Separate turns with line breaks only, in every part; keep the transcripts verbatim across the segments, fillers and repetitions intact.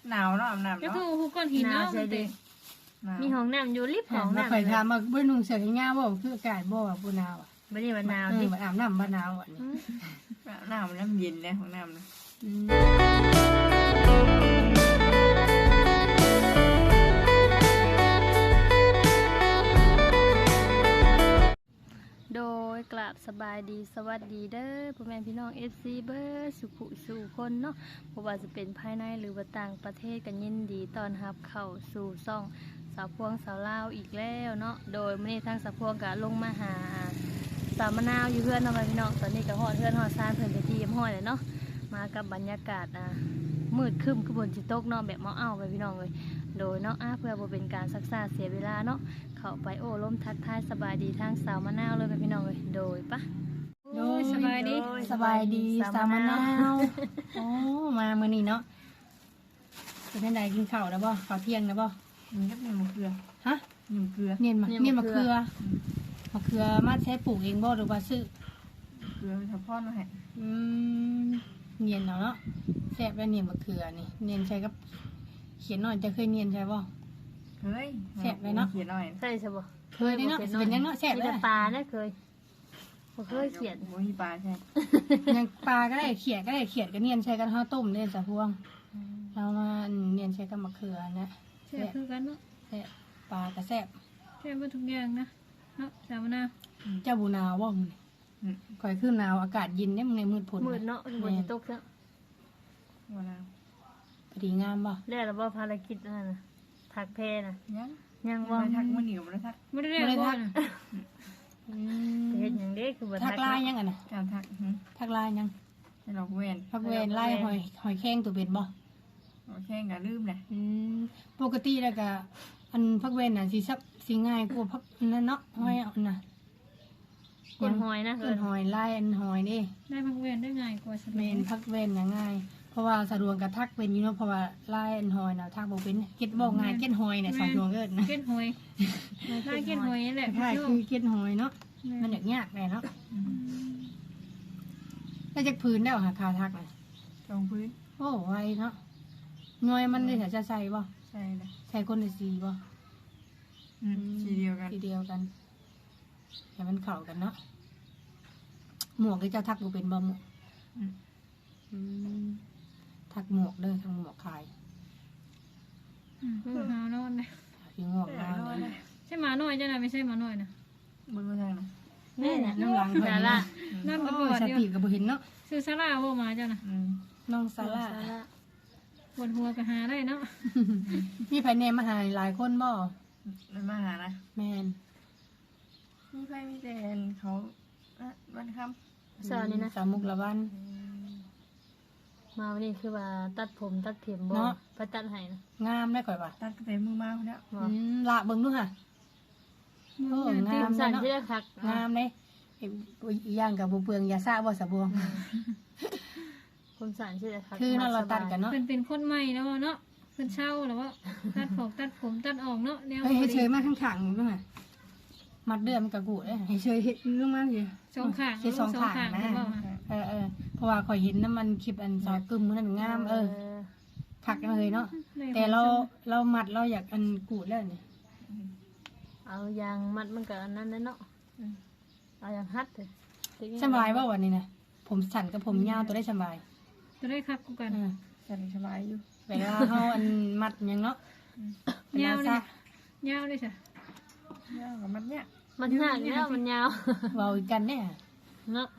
หนาวเนาะอาบน้ำ
ก็
เนาะ
คือฮู้ก้อนหินเนาะมันเต็ม
มีห้องน้ำอยู่ลิฟต์ห้อง
มา
น้ำ
ข่อยถามว่าบ่นุ่งเสื้อแขนยาวบ่คืออากาศบ่ว่าบ่หนาวอ่ะ
บ่ได้ว่าหนาว
เอ
ดิ
ออาบน้ำบ่หนาวอ่ะนี่
อาบน้ำน้ำเย็นเลยของน้ำนะ
อืม
โดยกราบสบายดีสวัสดีเด้อพ่อแม่พี่น้อง เอฟ ซี เบิร์ดสุขุสู่คนเนาะบ่ว่าจะเป็นภายในหรือว่าต่างประเทศกันยินดีต้อนรับเข้าสู่ซ่องสาวพวงสาวลาวอีกแล้วเนาะโดยมื้อนี้ทางสาวพวงก็ลงมาหาสาวมะนาวอยู่เพื่อนเนาะพี่น้องตอนนี้ก็ฮอดเพื่อนฮอดซานเพิ่นไปที่ยมห้อยเลยเนาะมากับบรรยากาศอ่ะมืดครึ้มคือบนสิตกเนาะแบบเมาเอาไปพี่น้องเลยโดยเนาะอ่ะเพื่อบ่เป็นการซักซ่าเสียเวลาเนาะเข้าไปโอ้ล้มทักทายสบายดีทางสาวมะนาวเลยไปพี่น้องเลยโดยปะ
โดย
สบายดี
สบายดีสามมะนาวโอ้มามื้อนี้เนาะเป็นจังไดกินข้าวแล้วบ่ข้าวเที่ยงแล้วบ่
มันก็เป็นมะเขือ
ฮะ
มะเขือ
เนียนมาเนียนมะเขือมะเขือมาใช้ปลูกเองบ่หรือว่าซื้อ
เขือเป็นทอพ่อมาให้
อืมเนียนเนาะแซ่บแล้วเนียนมะเขือนี่เนียนใช้กับเขียนหน่อยจะเคยเนียนใช่บ่
เฮ้ยเขียนหน่อย
ใช่ใช่บ่
เคยได้เนาะสิเป็นยังเนาะแซ่บ
มี
เล
แต่
ย
ปลาเนี่ยเคยบ่เคยเขียน
โมฮิปลาใช่
ยังปลาก็ได้เขียดก็ได้เขียดก็เนียนใช้กันข้าวต้มเนียนสะพวงเรามาเนียนใช้กับมะเขือนะ
แซ่บคือกันเนาะ
แซ่บปลาก็แซ่บ
แซ่บบ่ทุกอย่างนะเนาะสาวมะนาว
เจ้าบูนาวบ่มึงก่อยขึ้นหนาวอากาศเย็นเนี่ยมึงในมืดผล
มืดเนาะบนสิตกซะ
วันน้
พอดีงามบ่
แล้วเราบ่ภารกิจนั่นน่ะถักแพน่ะ
ำยัง
ยัง
วั
บ่
นทักมันเหนียวมันทัก
บ่ได้เรียกว่าน่ะ
อื
เฮ็ด
ม
หยังเด้คือบ่
ทั
ทั
ก
ก
ลาย
เนาะ
ยังอ่ะนะ
การทัก
ทักลายยัง
ให้เราเว้น
ทักเวนไล่หอยหอยแข้งตัวเป็นบ่
เราแข่งกับลืมเลย
อืมปกติแล้วก็อันพักเวนน่ะสิซับสิง่ายกว่าพักนั่นเนาะหอยเอาน่ะ
ก้นหอยนะ
เกินหอยไล่อันหอยนี่
ได้พักเวรได้ง่ายกว่าส
เม
มัย
นพักเวนน่ะง่าย เพราะว่าสะดวกกับทักเป็นอยู่เนาะเพราะว่าไล่อันหอยน่ะทักบ่เป็นเก็ดบ่ง่ายเก็ดหอยเนี่ยสะดวกเกินนะ
เก็ดหอยได้เก็ดหอยนี่แหละ
ใช่คือเก็ดหอยเนาะมันอยากยากเลยเนาะแล้วจากพื้นได้หรอคะคาทักน่ะ
ตรงพื้น
โอ้ไวเนาะหน่วยมันได้จะใส่บ่
ใช่เลย
ใส่คนละสีบ่
สีเดียวกัน
สีเดียวกันให้มันเข้ากันเนาะหมวกที่เจ้าทักบ่เป็นบ่หมวกอืมทักหมวกเด้อทางหมวกขาย
อืมคือหาวนอนนะ
พี่งวกงามเลย
ใช่หมาน้อยจ้ะนะไม่ใช่หมาน้อยนะ
บนบนทางนะ
แม่น่ะ
น้ำหลัง
สาระ
นอน
โอ้
กับปวด
ส
อยู่
ติก็บ่เห็นเนาะ
ซื้อซาร่าบ่มาจ้ะนะ
อืม
น้องซาร่า
สาระ
ปวดหัวก็หาได้เนาะ
มีไผแนมมาหาหลายคนบ่
มันมาหานะ
แม่น
มีไฟมีแดนเขาวันค่
สาวนี่นะ
สาวมุกละวัน
มาวันนี้คือว่าตัดผมตัดเข็มบ่
เนาะ
ไปตัดให้นะ
งามได้ข่อยว่า
ำตัดกระเต็มมือมาคนเนี้ย
บ่
อืมละเบิ่งดูค่ะ โอ้งาม
สั่นที่ได้คัก
งามเด้อีกอย่างก็บ่เปลืองยาซะบ่สะบวง
ผมสั่นที่ได้คัก
คือเนาะเราตัดกันเนาะ
เพิ่นเป็นคนใหม่แล้วเนาะเพิ่นเช่าแล้วว่าตัดผมตัดผมตัดออกเนาะแนว
เฮ้ยให้เชยมาข้างๆดูค่ะมัดเดือมนกะกูเด้ให้เชยเฮ็ดลงมาสิ
สองข้าง
เฮ็ดสองข้างนะ
เพิ่นบอก
เออเออเพราะว่าข่อยเห็นน้ำมันคลิปอันซอยกึมมื้อนั้นงามเออคักเลยเนาะแต่เราเรามัดเราอยากอันกูดแล้วนี่
เอายางมัดมันก็อันนั้นแหละเนาะเอายางฮัดเถอะ
สบายบ่วันนี้นะผมสั่นกับผมยาวตัวได้สบาย
จะได้คักกูกัน
เออ
ใส่สบายอยู่
เวลาเฮาอันมัดหยังเนาะเวล
ยาวเล
ซะ
ยยาวเลยจ้ะ
ยาวกับมันเนี้ย
มันยากแล้วมันยาว
เว้าอีกกันเนี่ย
เนาะ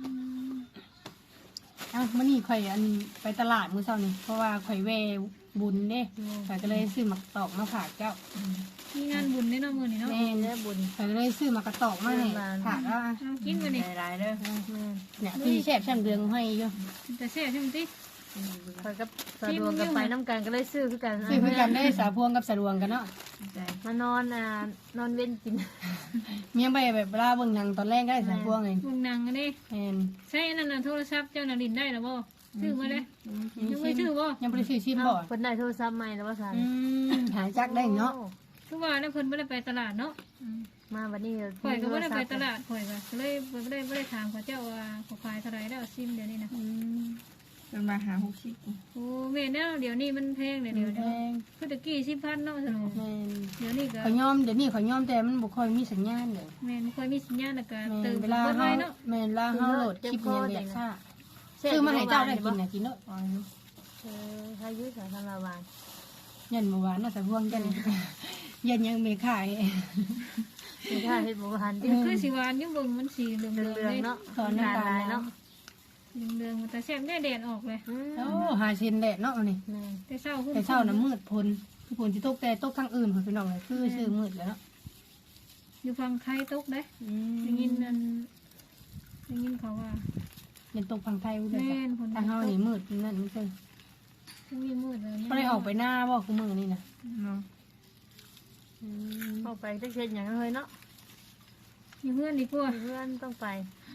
เอ้ามื้อนี้ข่อยอันไปตลาดมื้อเช้านี่เพราะว่าข่อยแวบุญเด้ข่อยก็เลยซื้อหมักตอกมาฝากเจ้า
มีงานบุญในเนาะมื้อนี้เนาะ
แม่น
ได้บุญ
ข่อยก็เลยซื้อหมักกระตอกมาให้ฝากแล้วอ่ะ
เอากินกันนี่
หลายๆเด้อ
แม่
เนี่ยพี่แซ่บช่างเดืองให้อยู่
แต่แซ่บใช่มั้ยติ
คอยกับสะดวกกับไปน้ำกันก็เลยซื้อคือกัน
ซื้อเพื่อกันได้สาพวงกับสะดวงกันเนาะ
ใจ
มานอนอ่านอนเว้นกิน
เมียไปแบบเวลาเบิ่งหนังตอนแรกก็ได้สาพวงเอง
วงนางกันนี่
แม่น
ใช่นั่นน่ะโทรศัพท์เจ้าน่ะลินได้แล้วบ่ซื้อมาเลยยังไม่ซื้อบ่
ยังบ่ได้ซื้อชิม
เอา
บ่
เพิ่นได้โทรศัพท์ใหม่แล้วว่าซั่น
อืมหาจักได้เนาะ
คือว่าแล้วเพิ่นบ่ได้ไปตลาดเนาะ
มาวันนี้
ข่อยก็บ่ได้ไปตลาดข่อยก็เลยบ่ได้บ่ได้ถามเขาเจ้าว่าเขาขายเท่าไหร่แล้วซิมเดี๋ยวนี้นะ
อืม
เป็นมาหาหกสิบ
โอ้แม่นแล้วเดี๋ยวนี้มันแพงเดี๋ยว
แพ
เดี๋ยวเดี๋ยว
ง
คือตะกี้สิบพันเนาะสนุก
แม่น
เดี๋ยวนี้ก็
ขอยยอมเดี๋ยวนี้ขอยยอมแต่มันบ่ค่อยมีสัญญาณเลย
แม่นบ่ค่อยมีสัญญาณแล้วก็
แม่
เติ
น
ม
เวลา
เบิด
เฮา
ไว้เนาะ
แม่นเวลาเฮาโหลดคลิปมันยังเรียกซ่าซื้อมาให้เจ้าได้กินน่ะกินเนาะ
อ๋ออยู่
เออพายุสาธารณวาน
ยันเมื่อวานน่ะแต่พวงยันยันยังไม่ขาย
มีค่าเฮ็ดบ่ทันดิ
คือสิหวานอยู่เบิ่งมันสีเหลือง
เรื
ๆ
อง
เลย
ๆเนาะ
ตอนน้ำตาล
เนาะ
เหลืองๆแต่แซ่บได้แดดออกเลย
อืม
โอ้หาเซนแดดเนาะนี่
แม่
แต่เช้าขึ้น
แต่เช้าน่ะมืดพลคือฝนสิตกแต่ตกทางอื่นเพิ่นพี่น้องเลยคือชื่อมืดแล้วเนาะ
อยู่ฝั่งไทยตกเด้
อืม
ได้ยินอันได้ยินเขาว่า
เป็นตกฝั่งไทยเลย
แม่นฝน
ทางเฮานี่มืดนั่นมันคือ
ช่วงนี้มืดเลย
บ่ได้ออกไปหน้าบ่คือมื้อนี่น่ะ
เนาะ
อืม
เข้าไปจักเฮ็ดหยังเลยเนาะ
อยู่เพื่อนดีกว่า
เพื่อนต้องไป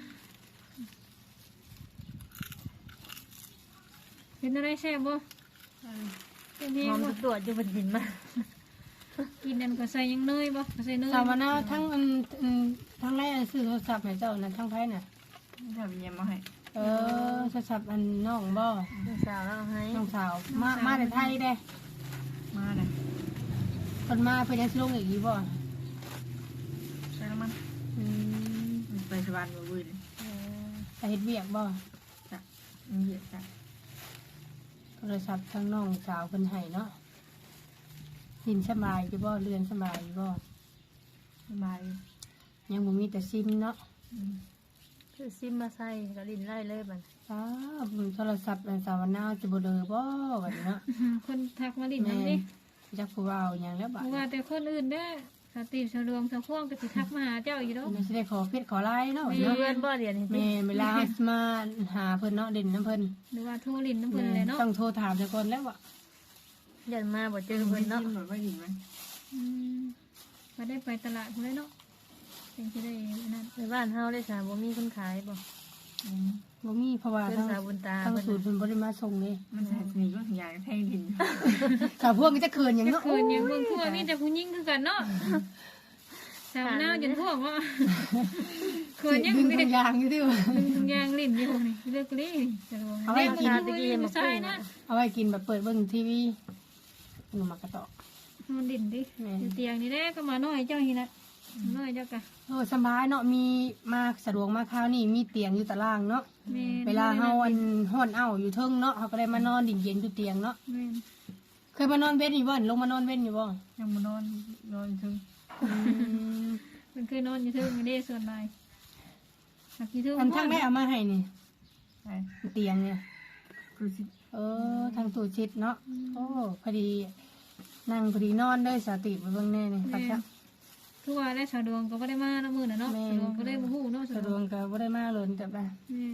เป็นอะไรแซ่บบ่เป็นแห้
ห
ง
อม
บ่
ตรวจอยู่บนหินมา
กินนั่นก็ใส่ยังเนยบ่ก็ใส่เนย
สาวมะนาวทั้งอันอันทั้งแรกซื้อโทรศัพท์ให้เจ้านั่นทั้งไผน่ะ
ทำเยี่ยมมาให้
เออโทรศัพท์อันน้องบ่
ลูกสาวแล้วเอาให้
น้องสาวมามาแต่ไทยเด้
มาเลย
เพิ่นมาเพิ่นยังสิลงอีกอยู่บ่
ใช่แล้วมัน
อืม
มันไปสวรรค์มาบุญ
เออ
ไปเฮ็ดเวียกบ่
จ้ะมันเหยียดจ้ะ
โทรศัพท์ทั้งน้องสาวเพิ่นให้เนาะสินสบายอยู่บ่เรือนสบายอยู่บ่
สบาย
ยังบ่มีแต่ซิมเนาะ
อืม
คือซิมมาใส่กระดินไล่เลยบัด
อ้าวโทรศัพท์อันสาวนาสิบ่เด้อบ่บัดนี้เนาะ
คนทักมาลิ้น
แม่
นำดิ
จักผู้เอาหยังแล้วบัด
เพราะว่าแต่คนอื่นเด้อสติสะดวงสะพวงก็สิทักมาหาเจ้าอยู่ดอก
นี่สิได้ขอเพชรขอลายเนาะ
มี
เนาะ
เพื่อนบ่เรียนนี่
แม่เวลามาหาเพิ่นเนาะเด่นน้ำเพิ่น
หรือว่าโทรลิ้นน้ำเพิ่นเลยเนาะ
ต้องโทรถามซะก่อนแล้วว่ะ
ยันมาบ่เจอเพิ่นเนาะ
จิ้มแบบว่าหินไหม
อืมมาได้ไปตลาดพุ่นเลยเนาะจังสิได้นั่น
ในบ้านเฮาได้สาบ่มีคนขายบ่
อืม
บ่มีเพราะว่า
เพิ่น
ทาง
สาวบุญตา
ทาง
เพิ่น
สูตรเพิ่นบ่ได้มาส่งเลย
มันใส่สนิทก็อย่างแทงดิน
สาวพวกนี้จะเขินหยัง
จะ
เนาะ
คืนอย่างเบิ่งทั่วมีแต่ผู้หญิงคือกันเนาะสาวหน้าจนทั่วว่าเขินยัง
ดึง
นี่
ทุกอย่างอยู่ที่ว่า
ดึงทุกอย่างลิ้นอยู่นี่เลือกลิ้นสะดวก
เอาไว้กิน
ตะกี้มาใส่นะ
เอาไว้กินแบบเปิดเบิ่งทีวีหนูมากระตอก
มันลิ้นดิ
แม่
อยู่เตียงนี่แหละก็มาน้อยเจ้านี่นะน้อยเจ้ากะ
โอ้สบายเนาะมีมาสะดวกมาคราวนี้มีเตียงอยู่ตารางเนาะ
แม่
เวลาเฮาอันฮ้อนเอ้าอยู่เทิงเนาะเฮาก็ได้มานอนดิ่งเย็นอยู่เตียงเนาะ
แม่
เคยมานอนเว้นอยู่บ่ลงมานอนเว้นอยู่บ่
ยังมานอนนอนถึง
อืม
มันเคยนอนอยู่เทิงนี่เด้ส่วนนายหักอยู่เทิง
อันทั้งได้เอามาให้นี่
ใช่
เตียงเนี่ย
คือสิ
เออทางตู้ชิดเนาะโอ้พอดีนั่งพอดีนอนได้สติไปเบิ่งแน่นี่ครับจ้ะ
คือว่าได้สะดวกก็บ่ได้มาเนาะมื้อน่ะเนาะ
แม่
สะดวกก็ได้บ่ฮู้เนาะ
สะ
สะ
ด
ด
ว
ว
ก
ก
ก็บ่ได้มาเลยแต่ว่า
แม่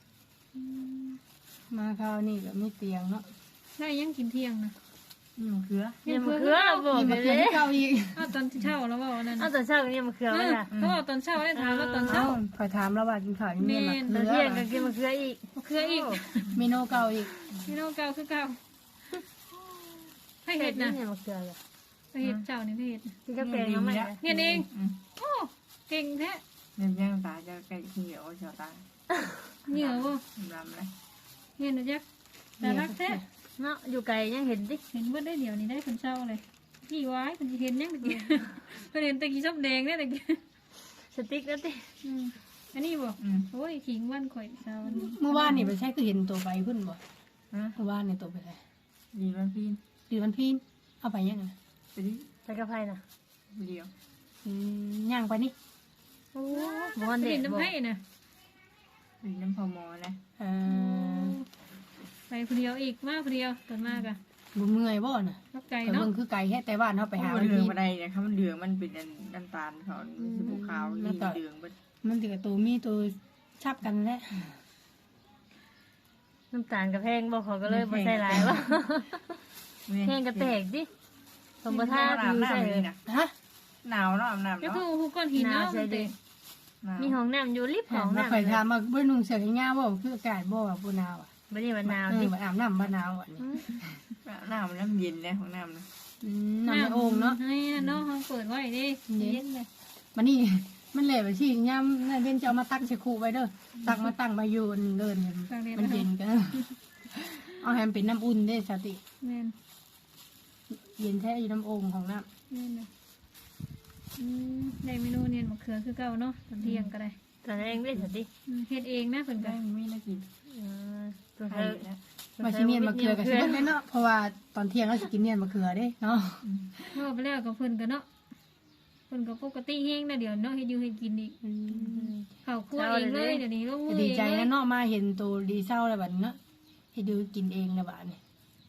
มาคราวนี้ก็มีเตียงเนาะ
ได้ยังกินเที่ยงนะ
นี่มันคือ
เนี่ยมะเขือบ่
นี่
ไป
มา
เล
เตียง
ย
เก่าอีก
อ้าวตอนเช้าแล้วว่าวันนั้น
เอาตอนเช้าก็เนี่ยมะเขือไว้ล่ะ
เขาบอกตอนเช้าได้ถามว่าตอนเช้า
อ้าวขอยถามแล้วว่ากินข้าวยังมีมา
ตอน
เลื
เที่ย
อง
ก็กินมะเขืออีก
เครืออีก
เมนูเก่าอีก
พี่น้องเก่าคือเก่าให้
เฮ็
เห็
ด
ด
นะ
นะ
เนี่ยมะเขือเลย
ให้เห็ดเจ้านี่ให้เห็ด
ที่จะแปลงเอาใหม่นะ
เห็ดเอง
อืม
โอ้เก่งแท้
เนี่ยยังตาจะไก่เหี่ยวชาวตา
เหนียวบ่
ดำเลย
เห็นนะจ๊ะแต่รักแท้
เนาะอยู่ไกลยังเห็นดิ
เห็นว่าได้เดี๋ยวนี้ได้คนเช้าเลยพี่ไว้คนจะเห็นยังตะกี้เพิ่นเห็นตะกี้ชอบแดงเนี่ยตะกี้
สติ๊กแล้วดิ
อืมอันนี้บ่
อืม
โอ้ยขิงวันข่อยเช้าวันนี้
เมื่อวานนี่ไปใช้คือเห็นตัวไปพุ่นบ่
ฮะ
เมื่อวานนี่ตัวไปใช้
ดีมันพี่
ดีวันพี่เอาไปยังไง
ไปดิ
ไปกับไผน่ะ
เดียว
อืมย่างไปนี่
โอ้บ่วันเด็
เห็
ก
นน้ำ
บ่
ให้นะ
ดีน้ำพอมอนะ
เออ
ไปคนเดียวอีกมาคนเดียวตอนมากอะ
บ่เมื่อยบ่น่ะ
รับไก่
ไป
เนาะ
เบิ่งคือไก่แค่แต่บ้านเฮาไปหา
มั
วัน น
เหลือง
พี่
มาได้เนี่ยครับมันเหลืองมันเป็นน้ำตาลเขาสีขาวนี่เหลืองมัน
มันสิกับตัวมีตัวชับกันแหละ
น้ำตาลกับแพงบ่เขาก็เลยบ่ใส่หลายบ่แพงก็แตกดิสมบ่ทา
อาบ
ผิวใส่
น้ำ
เล
เลย ยนะ
ฮะ
หนาวเนาะอาบน้ำ
ก็
เนาะ
คือหูก้อนหินเนาะมันเตะ
มีห้องน้ำอยู่ริบห้อง
มา
น้ำ
ข่อยถามมาเบิ่นุ่งเสื้อแขนยาวบ่คืออากาศบ่ว่าบ่หนาวอ่ะ
บ่ได้ว่าหนาว
เอ
ดิ
อบ่อาบน้ำบ่หนาวอ่ะนี่
น้ำมันน้ำเย็นเลยของน้ำนะ
อืมน้ำในโอ่งเนาะ
ให้เนาะห้องเปิดไว้ดิเย็นเลย
มันนี่ มันแหละไปสิยามนั่นเพิ่นจะเอามาตักใส่คูไว้เด้อตักมาตั้งมาอยู่เดินมันเย็นกันเอาให้มันเป็นน้ำอุ่นเด้สติ
แม่น
เย็นแท้อยู่น้ำโอ่งของน้
แม่นน่ะอืมได้เมนูเนียนมะเขือคือเก่าเนาะตอนเที่ยงก็ได้
ตอนนั้นเองได้สติ
อืมเฮ็ดเองนะเพิ่นก็
ได้ไม่ได้กิน
อืมตัว
ไข่
เธอ
แล้ว
ำมาชิเนียนมะเขือกับชิเนียนเนาะเพราะว่าตอนเที่ยงเราสิกินเนียนมะเขือเด้เนาะ
เมื่อไปแล้วก็เพิ่นก็เนาะเพิ่นก็ปกติแฮงนะเดี๋ยวเนาะเฮ็ดอยู่ให้กินอีกข้าวคั่วเองเลยเดี๋ยวนี้ลงมื
ก็
อ
ดี
เอง
ใจ
เล
นะ
ย
เนาะมาเห็นตัวดีเศร้าแล้วบัดนี้เนาะให้ดูกินเองแล้วบัดนี้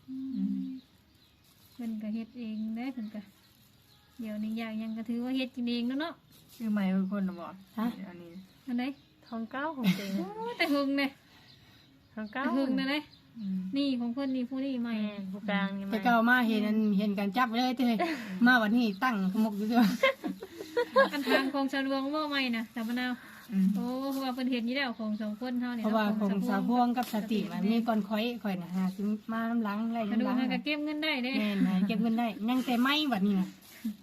เพิ่นก็เฮ็ดเองได้เพิ่นก็เดี๋ยวนี้อยากหยังก็ถือว่าเฮ็ดกินเองแล้วเนาะ
ชื่อใหม่เป็นคนนะบอก
ฮะ
อันนี้
อันใด
ทองเก้าของจริง
โอ้แต่หึงเด้
ทองเก้า
แต่หึงนะเด้
อืม
นี่ของเพิ่นนี่ผู้นี่ใหม่
แม่ผู้กลางนี่
แต่
มา
ก็เอามาเห็นอันเห็นกันจับเลยเต้ยมาวันนี้ตั้งขมกอยู่เด้อ
อันทางของชาวลวงบ่ใหม่น่ะสามะนาว
อืม
โอ้เพราะว่าเพิ่นเฮ็ดอยู่แล้วของสองคนเฮานี่
เพราะว่าของสาวพวงกับสติมันมี
มี
ก่อนข่อยข่อยน่ะหาสิมาน้ำหลังไล่
กระดู
น้ำหลัง
กมันก็เก็บเงินได้เด้
แม่นหาเก็บเงินได้ยังแต่ไม้บัดนี้น่ะ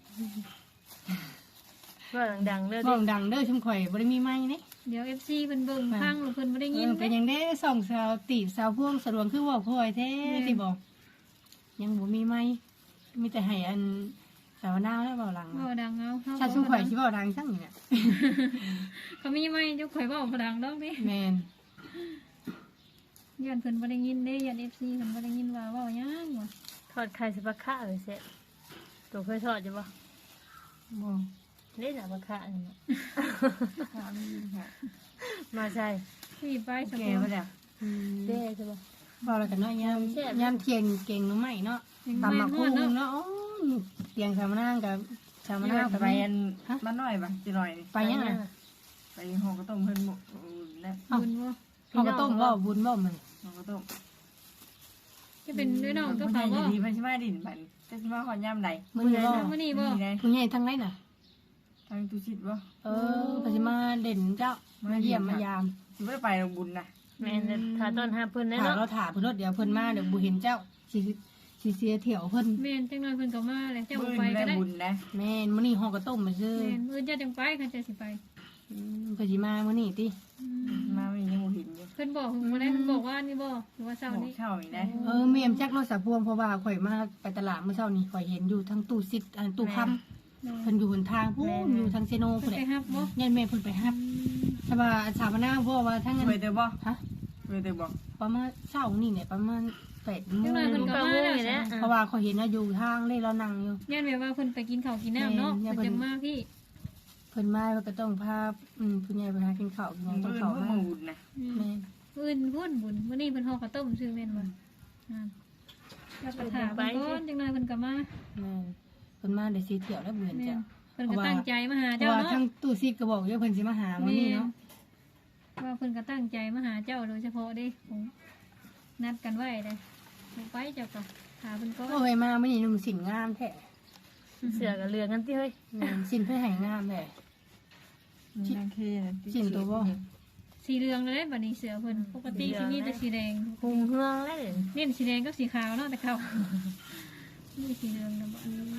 ว่าดังๆเด้อ
ห้
ดิ
องดังเด้อชุมข่อยบ่ได้มีไม้นี่
เดี๋ยว เอฟ ซี เพิ่นเบิ่งฟังหรือเพิ่นบ่ได้
เอ
ยิน
อเป็น
เด้
ยังได้ส่องสาวตีบสาวพวงสะดวงคือว่าข่อยแท้สิบอกยังบ่มีไม้มีแต่ให้อันสาวนาวแล้วเบาหลัง
บ่ดังเอาเฮา
ชาชุมข่อยสิเว้าดังจังนี่น่ะ
เขามีไหมเจ้าข่อยเว้าบ่ดังดอกเด้
แม่น
ย้อนเพิ่นบ่ได้ยินเด้ย้อน เอฟ ซี เพิ่นบ่ได้ยินว่าเว้าหยังวะ
ทอดไข่สิบะคะเลยเสร็จตัวเคยทอดอยู่ปะ
บ่
เล่นอะบะคะนี่นะ
ถามนี่ค่ะ
มาใช่
พี่ไปส
แก
ปอ
มาจาก
อืม
เด้ใช่ปะ
เว้าแล้วกันเนาะยามยามเที่ยงเก่งหนูใหม่เนาะตำหมักคุ้งเนาะอ๋อเตียงสามนางกับสาม
มัน
นาง
น่า
กับ
ไป
ไป
อันมันน้อยปะจีหน่อยนี่
ไปยังไง
ไปห้องก็ต้มเพิ่นหมกแล้ว
บุญบ่
เขาก็ต้มบ่บุญบ่มัน
ห้องก็ต้ม
จะเป็นด้วยน้องก็
คน
เขา
ใหญ่
บ่
ดีไปใช่ไหมดินบันจะใช่ไหมขอนย่ำใด
มื้อนี้บ่
มื้อนี้บ่
นี่ไง
ผู้ใหญ่ทั้งไรน่ะ
ทางตุชิดบ่
เออก็สิมาเด่นเจ้ามาเยี่ยมมายาม
สิไม่ได้ไปโรงบุญนะ
แม่นถ้าต้นห้าเพิ่นแน่
ถาม
เนาะ
เราถามเพิ่นรถเดี๋ยวเพิ่นมาเดี๋ยวบ่เห็นเจ้าสิสิเสียเที่ยวเพิ่น
แม่นจังน้อยเพิ่นก็มาเลยเจ้า
บุ
บ่
ญ
ไปก็
ได้
ได้
บุญนะ
แม่นมื้อนี้ฮอกก็ต้มมาซื่อ
แม่นมื้อเจ้าจังไปคันเจ้าสิไป
อืมเพิ่นสิมามื้อนี้ติ
อืม
มาไม่ยังบ่เห็นอยู่
เพิ่นบอกเพิ่นบ่ได้เพิ่นบอกว่านี่บ่หรือว่าเช้า
หม
นี้
กเช่าอีกนะ
เออแม่มจักรถสะพวงเพราะว่าข่อยมาไปตลาดเมื่อเช้านี้ข่อยเห็นอยู่ทั้งตู้ซิดอันตู้ค้ำเพิ่นอยู่หนทางพู้นอยู่ทางเซโน
เพิ่
พุ่
น
นแห
ไป
ละ
ฮับบ่
ยันแม่เพิ่นไปรับแต่ว่าสามนาเพราะว่าทั้งนั้น
เคยเจอบ่
ฮะ
เคยเจอบ่
ประมาณเช้านี่เนี่ยประมาณ8โม
จัง
ง
น้อยเพิ่นก็
เก้า
มา
โมง
แล้ว
นี่แหละ
เพราะว่าข่อยเห็นว่าอยู่ทางเลยเรานั่งอยู่
ย่านแบบว่าเพิ่นไปกินข้าวกินน้ำเนาะ
แม่
เพิ่น
น
จะมาพี่
เพิ่นมาเพิ่นก็ต้องพาอืมผู้ใหญ่ไปหากินข้าวกินหยังต้อง
เพิ่น
เข้า
เพิ่น
มา
มาบุญนะ
แม่น
อื่นพุ่นบุญมื้อนี้เพิ่นห่อข้าวต้มซื้อแม่นบ่นั่นแล้วก็ถามเพิ่นก่อนจังน้อยเพิ่นก็มา
แม่นเพิ่นมาได้สิเที่ยวแล้วเบื่อ
แม่
จ้ะ
นเพิ่นก็ตั้งใจมาหา
เพ
เจ้า
ราะว่า
เนาะ
ทั้งตู้ซิดก็บอกอยู่ว่าเพิ่นสิมาหามื้อนี้เนาะ
ว่าเพิ่นก็ตั้งใจมาหาเจ้าโดยเฉพาะเด้ผมนัดกันไว้เลยไปเจ้าก็หาเพิ่นก่อน
โอ้ยมามื้อนี้นุ่งสินงามแท้
เสือกับเรือกันที่เฮ้ย
แม่นสินเพิ่นให้งามแท้
นางเคนะ
สินตัวบ่
สีเหลืองเลยบัดนี้เสือเพิ่นปกติสิมีแต่สีแดง
หุงเฮืองเลย
เน้นสีแดงกับสีขาวเนาะแต่เขานี่สีเหลืองนะบ่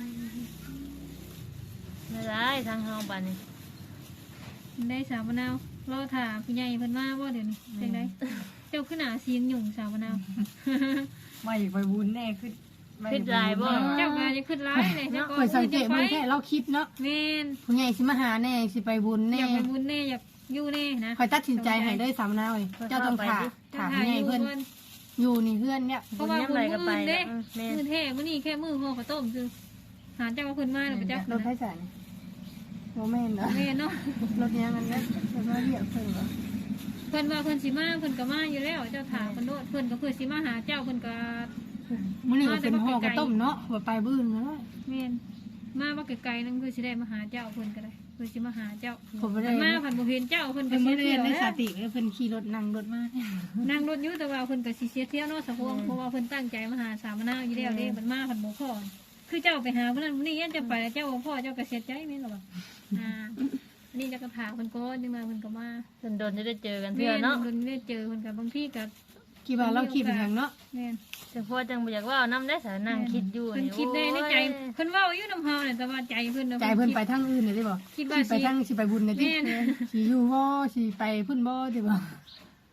ไม่ได้ทางเฮาบัดนี้
ได้สาวมะนาวรอถ่าผู้ใหญ่เพิ่นมาบ่เดี๋ยวนี้จังไดเจ้าขึ้นหน้าเสียงหยุ่งสาวมะนาว
มาอีกไปบุญแน่ขึ้น
เจ้าก็จะขึ้นร้ายเลยเจ้าก็
ข่อยสังเก
จะ
ต
ไป
มันแค่เราคิดเนาะ
แม่น
ผู้ใหญ่สิมาหาแน่สิไปบุญ
อ
แน่
ยากไปบุญแน่อยากอยู่แน่นะ
ข่อยตัดสินใจให้เลยสามนาวเอ้ยเจ้าต้องถามถามผู้ใหญ่เพิ่นอยู่นี่เพื่อนเนี่ย
เพราะว่าบุญมื้ออื่นเด้
แม่
มื้อแท้มื้อนี้แค่มื้อห่อข้าวต้มคือหาเจ้าว่าเพิ่นมาแล้วไปจัก
รถไฟสายโมแม่นเนาะ
แม่นเนาะ
รถเนี้ยมันเนี่ยมันมาเรียกเพิ่นเหรอ
เพิ่นว่าเพิ่นสิมาเพิ่นก็มาอยู่แล้วเจ้าถามเพิ่นโดดเพิ่นก็เพื่อสิมาหาเจ้าเพิ่นก็
มื้อนี้ก็เป็นห่อกระต้มเนาะว่าไปบื้นเนาะ
แม่นมาว่าไกลๆนั่นเพื่อสิได้มาหาเจ้าเพิ่นก็ได้เพื่อสิมาหาเจ้า
ผมบ่ได้
มาเพิ่นบ่เห็นเจ้าเพิ่นก็
เพิ่น
เสี
บ่
ย
ได้
เที่ยว
ใน
แล้ว
สติเลยเพิ่นขี่รถนั่งรถมา
นั่งรถอยู่แต่ว่าเพิ่นก็สิเสียเที่ยวเนาะสะพวงเพราะว่าเพิ่นตั้งใจมาหาสามมะนาวอยู่แล้วเด้เพิ่นมาเพิ่นบ่พอคือเจ้าไปหาเพิ่นนั้นมื้อนี้ยันจะไปแล้วเจ้าบ่พอเจ้าก็เสียใจแม่นบ่อ่าอันนี้เจ้าก็ถามเพิ่นก่อนจังมาเพิ่นก็มา
จนโดนจะได้เจอกัน
แม่
เพื่อนเนาะ
เพิ่นได้เจอเพิ่นก็บางทีก็
กี่ว่าเราคิดอย่างเนาะ
แม่น
แต่พอจังบ่อยากว่าน้ำได้สานั่งคิดอยู่
เพิ่นคิดได้ในใจเพิ่นเว้าอยู่นำเฮาเนี่ยแต่ว่าใจเพิ่นน่ะ
ใจเพิ่นไปทางอื่นน่ะได้บ่
คิดว่า
สิไป
สิ
ทางสิไปบุญน่ะติ
แม่น
สิอยู่บ่สิไปพุ่นบ่ได้บ่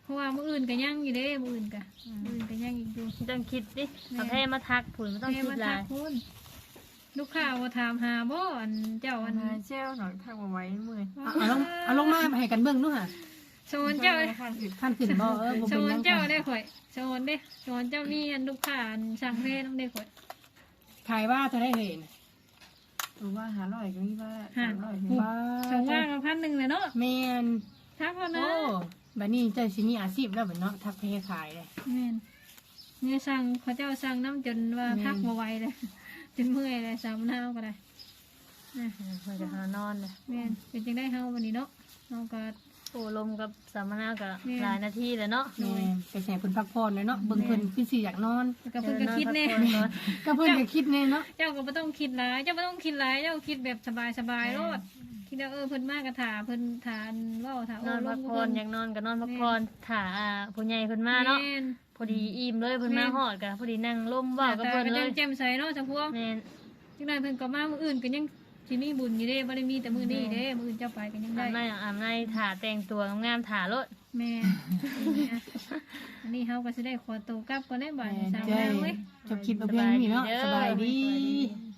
ราะว่ามื้ออื่นก็ยังอยู่เด้มื้ออื่นก็มื้ออื่นก็ยังอีกอยู่
ต้องคิดดิเอาแพ้มาทักผุนไม่ต้องคิดหลาย
คุณลูกค้าว่าถามหาบ่อันเจ้าอัน
มาเจ้าหน่อยทักมาไว้เมื่อย
เอาเอาลงเอาลงมาให้กันเบิ่งดูค่ะ
โซนเจ้า
ข้างอื่น
ท่านขึ้นบ่เออบ่
โซ
เป็นห
น
ยัง
เจ้า
ค่ะ
ได้ข่อยโซนเด้โซนเจ้ามีอันลูกค้าอันสั่งเพศต้องได้ข่อย
ขายว่าเท่าได้เห็น
รู้ว่าหาร้อยก็มีว่าสามร้อย
ว่า
สองว่างกับพันหนึ่งเลยเนาะ
แม่น
ทักเขานะ
โอ้บัดนี้เจ้าสิมีอาชีพแล้วบัดเนาะทักเพขายเลย
แม่นเนี่ยสั่งเขาเจ้าสั่งน้ำจนว่า
แม่น
พักมาไหวเลยจนเมื่อยเลยสามหน้าก็ได้นะ
มันจะหานอนเลย
แม่นเป็นจังได้เฮาวันนี้เนาะเฮาก็
โอ้ลมกับสัมมนากับ
แม่
หลายนาทีเลยเนาะ
แม่นไปแส่เพิ่นพักผ่อนเลยเนาะเบิ่งเพิ่นคือสิอยากนอน
แล้วก็เพิ่นก็คิดแน่
เออนอน
ก็เพิ่นก็คิดแน่เนาะ
เจ้าก็ไม่ต้องคิดหลายเจ้าไม่ต้องคิดหลายเจ้าคิดแบบสบายๆโลดคิดว่าเออเพิ่นมากกะถาเพิ่นถานเว้าถา
พัก
โอ้
ผ่อน
ล
พั
ง
ก
กับ
ผ่อ
เพิ่
น
น
อยากนอนก็นอนพักผ่อนถ่าอ่าผู้ใหญ่เพิ่นมาเนาะ
แม่น
พอดีอิ่มเลยเพิ่นมา
แม่น
ฮอดกะพอดีนั่งล่มเว้ากับเพิ่น
แต่
เล
ก็
ย
แจ่มใสเนาะจังพวก
แม่น
จังได๋เพิ่นก็มามื้ออื่นก็ยังสิมีบุญอยู่เด้บ่ได้มีแต่มื้อนี้เด้มื้ออื่นเจ้าไปก็ยัง
อา
ได้
บน้ำอาบน้ำถ่าแต่งตัวงามๆถ่ารถ
แม่อันนี้เฮาก็สิได้ขอตัวกลับก่อนได้บ่าย
แม่น
สาม
เจ้
แล้วเว้ย
จบคลิปเอาเพียงนี้เนาะสบายดี
สบายดี